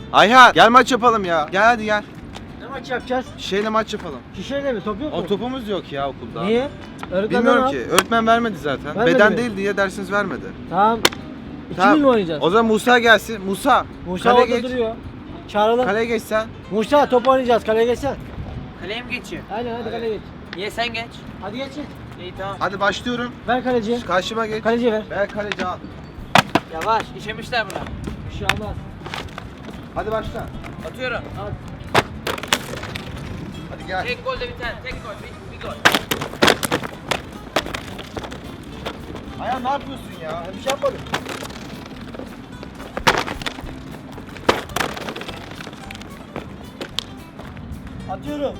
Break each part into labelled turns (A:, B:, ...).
A: Ayhan gel maç yapalım ya. Gel hadi gel.
B: Ne maç yapacağız?
A: Şişeyle maç yapalım.
B: Şişeyle mi? Top yok mu?
A: O topumuz yok ya okulda.
B: Niye? Öğretmenden
A: Bilmiyorum
B: al.
A: ki. Öğretmen vermedi zaten.
B: Vermedi
A: Beden
B: mi?
A: değil diye dersiniz vermedi.
B: Tamam.
A: Tamam.
B: 2000 mi oynayacağız?
A: O zaman Musa gelsin. Musa.
B: Musa
A: kaleye
B: orada
A: geç.
B: duruyor. Çağıralım.
A: Kaleye geç sen.
B: Musa top oynayacağız. Kaleye geçsen.
C: Kaleye mi geçiyor?
B: Aynen hadi kaleye geç.
C: Niye sen geç?
B: Hadi geç.
C: İyi tamam.
A: Hadi başlıyorum.
B: Ver kaleciye.
A: Karşıma geç.
B: Kaleciye ver.
A: Ver kaleci al.
C: Yavaş, işemişler buna.
B: Bir şey olmaz.
A: Hadi başla.
C: Atıyorum.
B: Al.
A: Hadi gel.
C: Tek gol de biter, tek gol, bir gol.
A: Ayhan ne yapıyorsun ya?
B: Bir şey yapmadım. Atıyorum.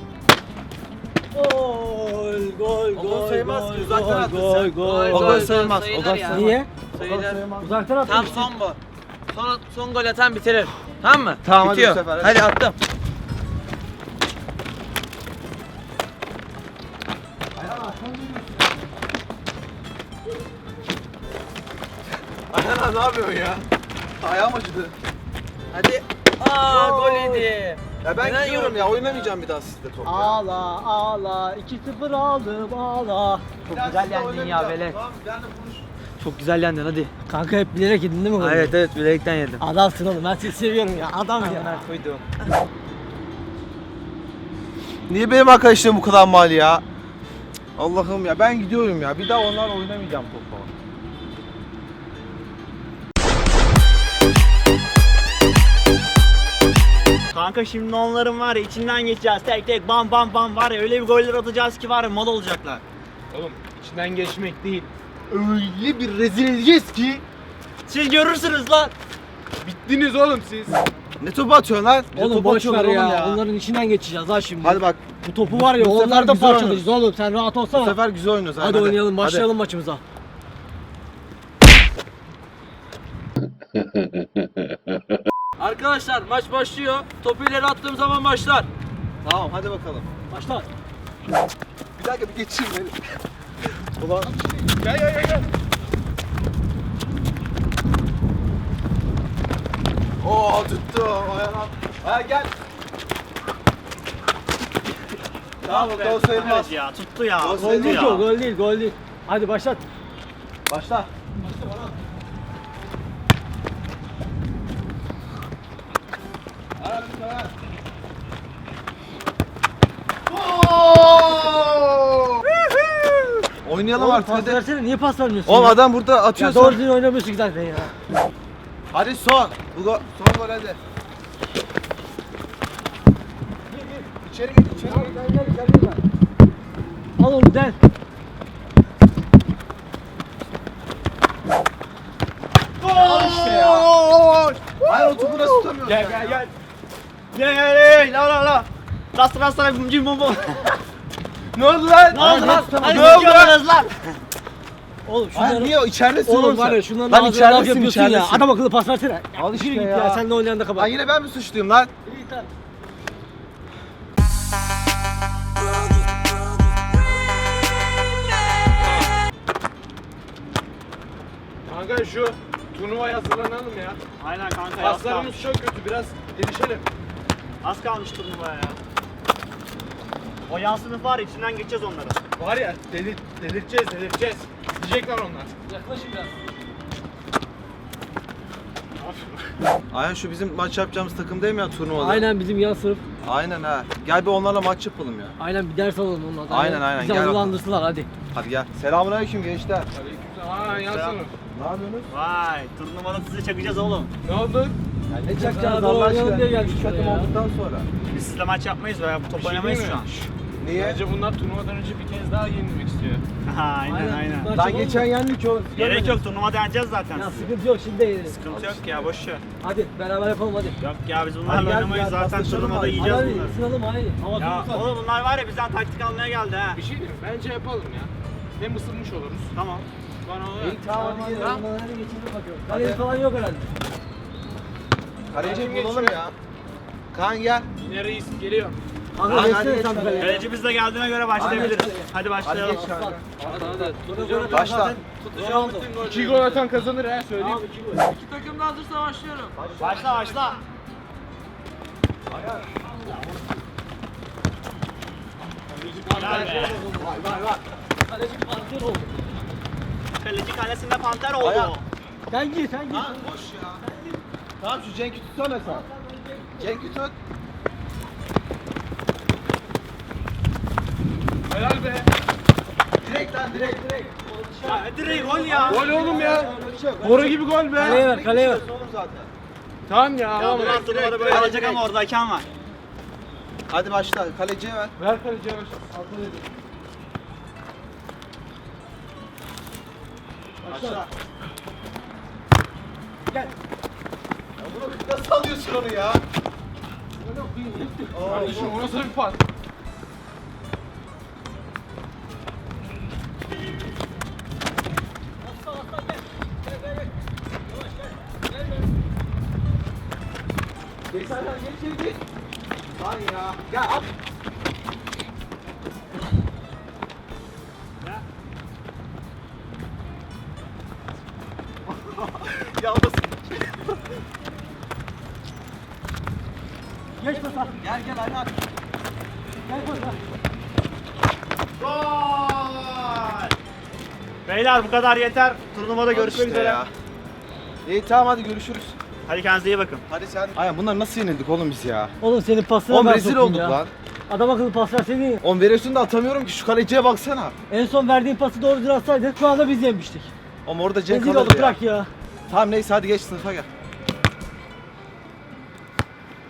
B: Gol,
A: O gol sayılmaz ki, uzaktan attın
B: gol,
A: sen.
B: gol.
A: O gol sayılmaz.
C: sayılır
A: O gol
C: ya.
A: sayılmaz.
B: Niye?
C: Sayılır.
B: Uzaktan attın.
C: Tam son bu. Son gol atan bitirir. Tamam mı?
A: Tamam, hadi
C: Bitiyor.
A: bu sefer, hadi.
C: Hadi attım.
A: Ayhan abi ne yapıyorsun ya? Ayağım acıdı.
C: Hadi. Gol yedi.
A: Ya ben
C: Neden
A: gidiyorum
C: yoruldun?
A: ya. Oynamayacağım bir daha sizde top ya.
B: Ağla ağla 2-0 aldım ağla.
A: Bir daha
C: güzel
A: sizle
C: yendin ya,
A: oynamayacağım.
C: velet.
A: Tamam ben de konuş.
C: Çok güzel yendin hadi.
B: Kanka hep bilerek yedin değil mi golü?
C: Evet bilekten yedim.
B: Adamsın oğlum ben seni seviyorum ya adam ya.
C: Koydum.
A: Niye benim arkadaşlarım bu kadar mal ya? Allah'ım ya ben gidiyorum ya. Bir daha onlarla oynamayacağım topu.
D: Kanka şimdi onların var ya içinden geçeceğiz tek tek bam bam bam var ya öyle bir goller atacağız ki var ya mal olacaklar.
E: Oğlum içinden geçmek değil. Öyle bir rezil edeceğiz ki
D: Siz görürsünüz lan.
E: bittiniz oğlum siz.
A: Ne topu atıyorsun lan? Ne
B: Oğlum
A: topu
B: boş ver
A: atıyorlar
B: ya.
A: oğlum
B: Onların içinden geçeceğiz ha şimdi.
A: Hadi bak
B: Bu topu var ya
A: Bu sefer
B: onlardan
A: güzel
B: parçalayacağız oğlum sen rahat
A: bu
B: olsana.
A: sefer güzel oynuyoruz.
B: Hadi oynayalım başlayalım maçımıza.
C: Arkadaşlar maç başlıyor. Topu ileri attığım zaman başlar.
A: Tamam hadi bakalım.
B: Başla.
A: Bir dakika bir geçeyim beni.
E: Ulan gel.
A: Oo tuttu. Ayağına. Ayağına gel. Tamam o gol sayılmaz.
D: Evet ya tuttu ya.
A: Gol
D: tuttu
B: Gol değil
D: ya.
B: ki o gol değil gol değil. Hadi başlat.
A: Başla. Oynayalım
B: Oğlum
A: artık
B: pas
A: hadi.
B: versene niye pas vermiyorsun
A: Oğlum
B: ya?
A: adam burada atıyor
B: Ya doğru
A: sonra.
B: düzgün oynamıyorsun ki zaten ya.
A: Hadi son. Son gol hadi. İçeri git içeri git.
B: Al onu del.
A: İşte ya. Hayır o topu nasıl tutamıyorsun?
D: Gel. Gel la. Rasta cim bom bom.
A: Ne oldu lan?
D: Ne oldu lan?
B: tutamadım.
D: Hadi
A: Ne oldu
D: siz görürüz lan.
B: Oğlum
A: Hayır
B: şunları...
A: niye içeridesin
B: Oğlum
A: sen?
B: var ya şunların
A: Lan
B: ağzına laf
A: içeridesin
B: yapıyorsun ya.
A: içeridesin.
B: Adam akıllı pas versene.
A: Al işte
B: Yürü git
A: ya.
B: ya. Sen de oynayan da
A: Lan
B: kapat.
A: yine ben mi suçluyum lan?
B: İyi tamam.
E: Kanka şu turnuvaya hazırlanalım ya.
D: Aynen kanka az kalmış.
E: Paslarımız çok kötü biraz gelişelim.
D: Az kalmış turnuvaya ya. O yan sınıf var ya içinden geçeceğiz onları.
E: Var ya delirteceğiz. Diyecekler onlar.
C: Yaklaşın biraz.
A: Aynen şu bizim maç yapacağımız takım değil mi ya turnuvada?
B: Aynen bizim yan sınıf.
A: Aynen ha. Gel bir onlarla maç yapalım ya.
B: Aynen bir ders alalım onlardan.
A: Aynen,
B: Bizi
A: gel
B: hazırlandırsınlar hadi.
A: Hadi gel. Selamünaleyküm gençler.
E: Aa yansın.
A: Ne yapıyorsunuz?
D: Vay turnuvada sizi çakacağız oğlum.
E: Ne oldu?
A: Ne
B: çakacağız Allah aşkına? Diye geldik
A: Üç takım
B: şuraya ya.
A: olduktan sonra.
D: Biz sizle maç yapmayız veya top
E: Bir şey
D: oynamayız
E: değil
D: şu
E: mi?
D: an.
A: Niye?
E: Bence bunlar turnuvadan önce bir kez daha yenilmek istiyor.
D: aynen.
B: Maç
A: Lan
B: yapalım
A: geçen
B: mı?
A: yendik oğlum.
D: Gerek yok turnuvada yeneceğiz zaten
B: Ya
D: sizi.
B: sıkıntı yok şimdi de yeniriz.
D: Sıkıntı yok ya boş ver.
B: Hadi beraber yapalım hadi.
D: Yok ya biz
A: Hadi
D: bunlarla
A: gel,
D: oynamayız
A: gel,
D: zaten
A: paslaşalım
D: turnuvada
A: hadi.
D: yiyeceğiz
B: Hadi
D: bunları.
B: ısınalım hadi. Hava
D: Ya
B: soğuk.
D: oğlum bunlar var ya bizden taktik almaya geldi ha.
E: Bir şey diyeyim mi? Bence yapalım ya. Hem ısınmış oluruz.
D: Tamam.
E: Bana o
A: İyi tamam hadi.
B: Hadi geçelim bakalım. Kaleci falan yok herhalde.
A: Kaleci
E: Kim
A: bulalım
E: geçiyor?
A: ya. Kaan gel.
E: Yine reis geliyor.
B: Kanka
A: Hadi
B: geçsene
A: geç
B: sen
A: kaleye.
B: kaleye.
D: Kaleci biz de geldiğine göre başlayabiliriz.
B: Hadi.
D: Hadi
A: Hadi
D: başlayalım.
A: geç kanka.
B: Tutacağım.
A: Başla.
B: Ronaldo.
E: 2 gol atan kazanır ha söyleyeyim.
B: Tamam 2 gol.
C: İki takım da hazırsa başlıyorum.
D: Başla.
B: Kaleci panter oldu.
D: Kaleci kalesinde panter oldu.
A: Ayağı.
B: Sen gir sen gir.
A: Lan boş ya. Tamam şu Cenk'i tutsana sen. Cenk'i tut.
E: Helal be.
A: Direkt lan direkt.
D: Ya direkt gol ya.
E: Gol oğlum ya. Boru gibi gol
B: Kaleye
E: be.
B: ver kaleye ver.
A: Oğlum zaten.
E: Tamam ya.
D: Ya
E: Tamam.
D: bundan turnuvaları böyle alacak ama orada hakem var.
A: Hadi başla. Kaleciye ver.
E: Ver kaleciye ver.
A: Başla.
B: Gel.
A: Ya bunu nasıl alıyorsun onu ya?
E: Kardeşim o nasıl bir pas?
A: Geç lan geç. Lan ya. Gel at. Yalnız.
B: Geç pasa.
A: Gel Ayhan.
B: Gel pasa.
D: Gol! Beyler bu kadar yeter. Turnuvada görüşmek
A: İşte
D: üzere.
A: ya. İyi tamam hadi görüşürüz.
D: Hadi kendinize iyi bakın.
A: Hadi sen. Ayhan bunlar nasıl yenildik oğlum biz ya?
B: Oğlum senin pasına
A: Oğlum
B: ben
A: rezil
B: sokayım
A: olduk
B: ya.
A: lan.
B: Adam akıllı pas verseydin ya.
A: Oğlum veriyorsun da atamıyorum ki şu kaleciye baksana.
B: En son verdiğin pası doğru atsaydın şu anda biz yemiştik.
A: Oğlum orada Cenk
B: Rezil
A: alırdı
B: olduk
A: ya.
B: bırak ya.
A: Tamam neyse hadi geç sınıfa gel.